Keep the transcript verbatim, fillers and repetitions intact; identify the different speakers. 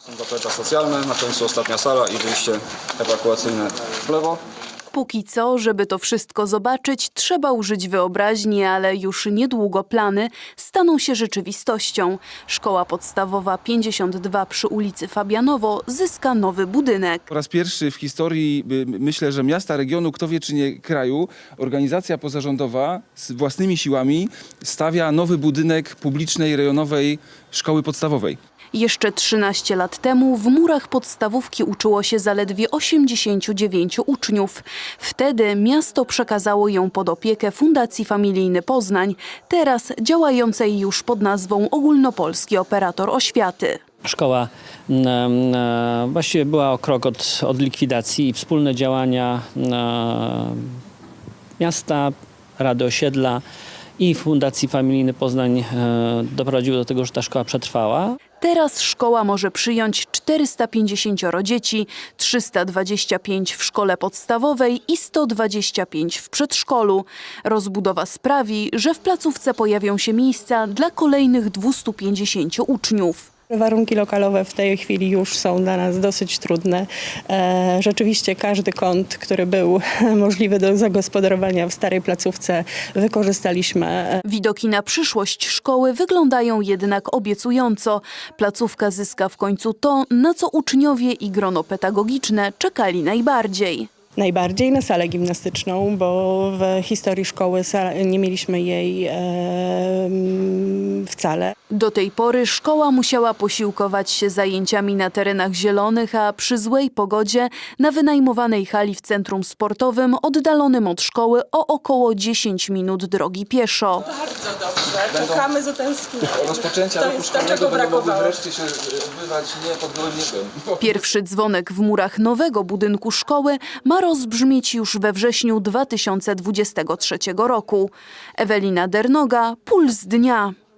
Speaker 1: Zaplecze socjalne, na końcu ostatnia sala i wyjście ewakuacyjne w lewo.
Speaker 2: Póki co, żeby to wszystko zobaczyć, trzeba użyć wyobraźni, ale już niedługo plany staną się rzeczywistością. Szkoła podstawowa pięćdziesiąt dwa przy ulicy Fabianowo zyska nowy budynek.
Speaker 3: Po raz pierwszy w historii, y, myślę, że miasta, regionu, kto wie czy nie kraju, organizacja pozarządowa z własnymi siłami stawia nowy budynek publicznej, rejonowej szkoły podstawowej.
Speaker 2: Jeszcze trzynaście lat temu w murach podstawówki uczyło się zaledwie osiemdziesięciu dziewięciu uczniów. Wtedy miasto przekazało ją pod opiekę Fundacji Familijny Poznań, teraz działającej już pod nazwą Ogólnopolski Operator Oświaty.
Speaker 4: Szkoła e, właściwie była o krok od, od likwidacji i wspólne działania e, miasta, Rady Osiedla i Fundacji Familijny Poznań e, doprowadziły do tego, że ta szkoła przetrwała.
Speaker 2: Teraz szkoła może przyjąć czterysta pięćdziesiąt dzieci, trzysta dwadzieścia pięć w szkole podstawowej i sto dwadzieścia pięć w przedszkolu. Rozbudowa sprawi, że w placówce pojawią się miejsca dla kolejnych dwustu pięćdziesięciu uczniów.
Speaker 5: Warunki lokalowe w tej chwili już są dla nas dosyć trudne. E, rzeczywiście każdy kąt, który był możliwy do zagospodarowania w starej placówce, wykorzystaliśmy.
Speaker 2: Widoki na przyszłość szkoły wyglądają jednak obiecująco. Placówka zyska w końcu to, na co uczniowie i grono pedagogiczne czekali najbardziej.
Speaker 5: Najbardziej na salę gimnastyczną, bo w historii szkoły nie mieliśmy jej e, wcale.
Speaker 2: Do tej pory szkoła musiała posiłkować się zajęciami na terenach zielonych, a przy złej pogodzie na wynajmowanej hali w centrum sportowym oddalonym od szkoły o około dziesięć minut drogi pieszo.
Speaker 6: Bardzo dobrze, czekamy z utęsknieniem.
Speaker 1: Rozpoczęcia
Speaker 6: To
Speaker 1: roku
Speaker 6: jest to,
Speaker 1: szkolnego
Speaker 6: czego
Speaker 1: będą mogły
Speaker 6: brakowało.
Speaker 1: wreszcie się odbywać nie pod gołym niebem.
Speaker 2: Pierwszy dzwonek w murach nowego budynku szkoły ma rozbrzmieć już we wrześniu dwa tysiące dwudziestego trzeciego roku. Ewelina Dernoga, Puls Dnia.